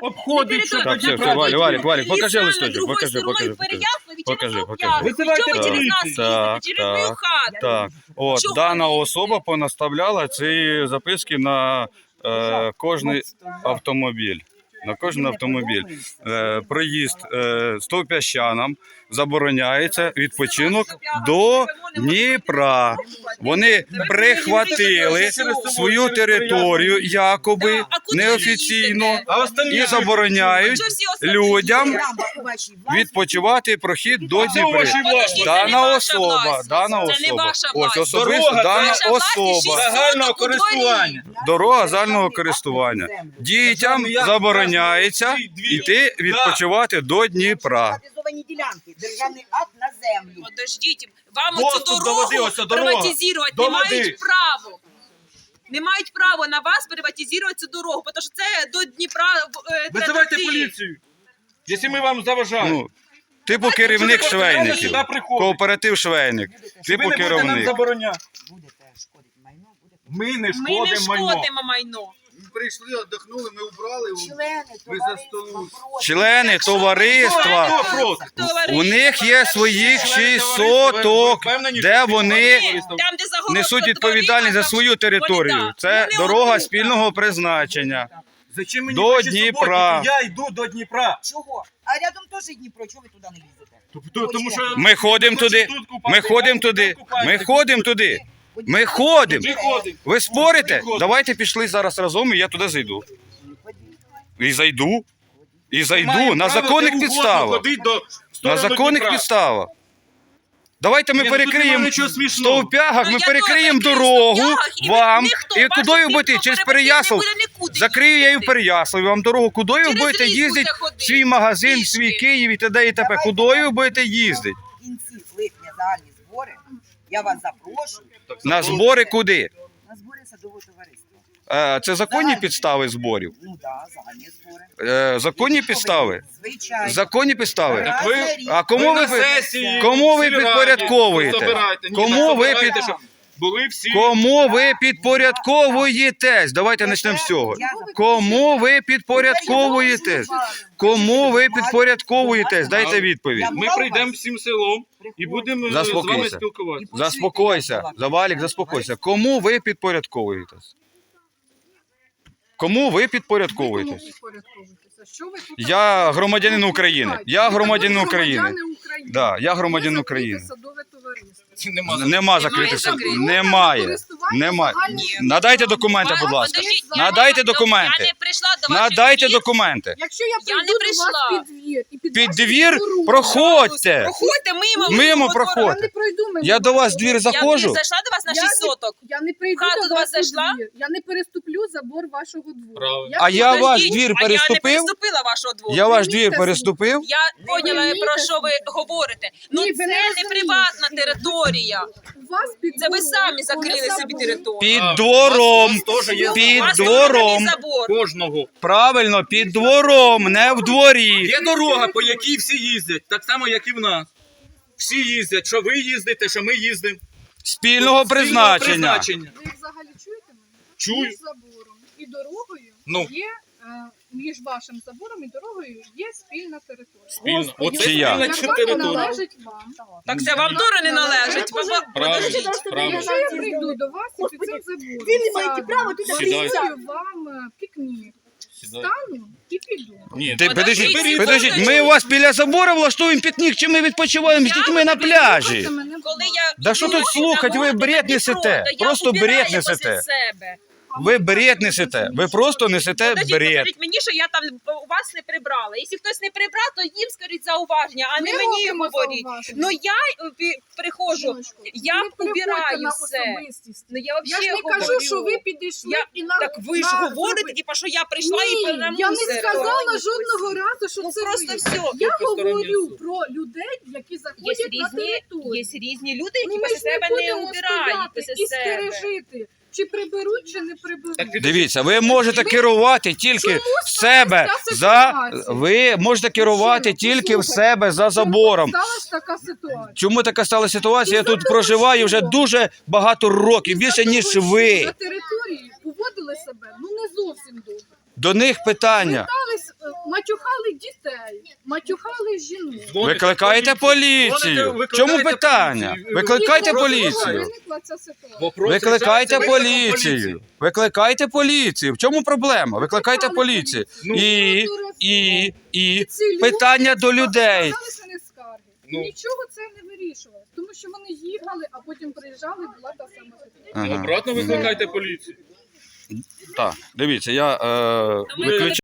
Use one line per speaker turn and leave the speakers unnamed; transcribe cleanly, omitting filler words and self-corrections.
обходить, що
Так,
тоді
все, Валік, покажи
Покажи
листочок, покажи. Покажи.
Визивайте
Так. От, дана особа понаставляла ці записки на кожний автомобіль. На кожен автомобіль. Проїзд стовпящанам забороняється, відпочинок до Дніпра. Вони прихватили свою територію, якоби неофіційно, і забороняють людям відпочивати прохід до Дніпра. Дана особа. Ось особисто дана особа.
загального користування.
Дорога загального користування. Дітям забороняється йти відпочивати до Дніпра.
Державний акт на землю.
Подождіть, вам
Доступ
цю
до води,
дорогу
ось ця дорога.
приватизувати
До
не
води.
мають право. Не мають права на вас приватизувати цю дорогу, тому що це до Дніпра
Визивайте
треба йти.
поліцію, якщо ми вам заважаємо.
Ну, типу керівник
Щоб ви
швейників.
сюди приходите.
Кооператив швейник.
Ви
Типу
не будете нам
керівник.
забороняти.
Будете шкодити майно, будете.
Ми не
Ми не
шкодимо майно.
шкодимо майно.
Прийшли, віддихнули, ми убрали.
Члени
Ви за столу.
Члени товариства.
Хто проти?
У них є своїх 6 соток, де вони
Там, де загорожено
несуть відповідальність за
дорога,
свою територію.
вони,
Це
вони
дорога
отут.
спільного призначення.
Зачем мені
До
перші
Дніпра.
суботники? Я йду до Дніпра.
Чого? А рядом теж Дніпро, чого ви туди не їздите?
Тому що
Ми ходимо туди. Ми ходимо туди. Ми ходимо туди. Ми ходимо.
Ми ходимо.
Ви спорите? Давайте пішли зараз разом, і я туди зайду. І зайду.
Маємо
На
право
законних
де угодно
підставах.
ходити до
На
сторони
законних
Дніпра.
підставах. Давайте ми
Ні, ну тут
перекриємо
немає нічого
в
смішного.
стовпягах,
Ну,
ми
я
перекриємо
теж
дорогу
стовпягах, і
вам.
ніхто
І
ваших
куди ви будете?
тих,
Через
хто
Переяслав?
не буде нікуди
Закрию я і в
їздити.
Переяславі вам дорогу. Куди ви
Через
будете
ліс
їздити?
буде ходити.
Свій магазин,
Пішки.
свій Київ і т.д. і т.п. Куди ви будете їздити?
В кінці липня загальні збори. Я вас запрошую
На збори куди?
на збори садового товариства.
Це законні підстави зборів?
Ну так, загальні збори.
Законні підстави?
Звичайно.
Законні підстави?
Раз
ви-
на рік.
А кому ви, кому ви підпорядковуєте? Кому ви Кому ви підпорядковуєтесь? Давайте почнемо з цього. Кому ви підпорядковуєтесь? Кому ви підпорядковуєтесь? Дайте відповідь.
Ми прийдемо всім селом і будемо з вами
Заспокійся.
спілкуватися.
Заспокойся. Завалік, заспокойся. Кому ви підпорядковуєтесь? Кому ви підпорядковуєтесь? Я громадянин України. Я громадянин України. Да, я громадянин України. Нема закритих садів. Немає. Немає. Надайте документи, будь ласка.
Подождіть,
Надайте
я
документи.
не прийшла до ваших
Надайте
двір.
документи.
Якщо я
Я
прийду
не
до
прийшла.
вас під двір і під
Під
вашу
двір
дорогу,
проходьте.
Проходьте мимо.
Мимо
я
проходьте.
не пройду мимо.
Я до вас в двір
Я
заходжу.
зайшла до вас на 6 соток.
Я не прийду
В хату
до
до вас
вас у
зайшла?
двір. Я не переступлю забор вашого двору.
Правильно.
А я ваш
Подождіть,
двір
а я не
переступив?
переступила вашого двору.
Я ваш двір переступив?
Я поняла, про що ви говорите. Ну
Ні, ви
це
не
не
розумієте.
приватна територія.
У вас під
Це ви
двором
самі закрили
є
собі
забор.
територію.
Під
А,
двором.
у вас теж є
Під
У вас
двором.
є забор.
Кожного.
Правильно, під двором, не в дворі.
Є дорога, по якій всі їздять, так само, як і в нас. Всі їздять, що ви їздите, що ми їздимо.
Спільного призначення.
Ви взагалі чуєте мене?
Чую.
Між забором і дорогою
Ну.
є, між вашим забором і дорогою є спільна територія.
Спільно. Оце
Чи я?
спільна
Яка
територія.
належить вам.
Так це вам теж не належить. Подождіть.
Правильно.
Якщо я прийду до вас і під цим забором,
Ви не маєте права тут
Сідай.
зроблю вам пікнік, стану і піду.
Ні,
Ти,
Подождіть,
подождіть, ми
подождіть.
у вас біля забору влаштуємо пікнік, чи ми відпочиваємо з дітьми на пляжі?
Коли я
Да що тут слухать, ви бред несете, просто бред несете.
Себе.
Ви бред несете, ви просто несете
Подождіть,
бред.
скажіть мені, що я там у вас не прибрала. Якщо хтось не прибрав, то їм скажіть зауваження, а не
Ми
мені
робимо
говоріть.
зауваження.
Ну я приходжу,
Жіночко,
я
не переходьте
убираю
на
все.
особистість.
Ну я
Я
взагалі
ж не кажу,
говорю.
що ви підійшли
Я-
і на
Так ви ж говорите, типа, що я прийшла і
Ні,
принамусила.
я не сказала жодного разу, що
Ну
це
просто
ви.
все.
Я
Посторонні
говорю
особи.
про людей, які
Є
заходять на
різні,
територію.
є різні люди, які
Ну, ми
після
ж не
себе не
будемо
убирають
стояти
після
і
себе.
стережити, чи приберуть, чи не приберуть.
Так ти-
Дивіться, ви можете керувати тільки
Чому
в себе
сталася
за
ситуація?
ви можете керувати тільки в себе за забором.
Сталася така ситуація.
Чому така стала ситуація? Я тут проживаю вже дуже багато років, більше ніж
На
ви.
території поводили себе ну не зовсім добре.
До них питання.
Питались матюхали жінок.
Дзвоните
Викликайте
в
поліцію. В чому питання?
поліцію.
Викликайте
І
поліцію.
виникла ця ситуація.
Вопрос
Викликайте
рішається викликом
поліцію. Викликайте поліцію. В чому проблема? Викликайте поліцію.
Ну,
І
Ці люди
питання до людей.
складалися на скарги.
Ну.
Нічого це не вирішувалось, тому що вони їхали, а потім приїжджали, була та сама ситуація.
Ага.
Обратно викликайте поліцію.
Так, дивіться, я
Ми
виключаю.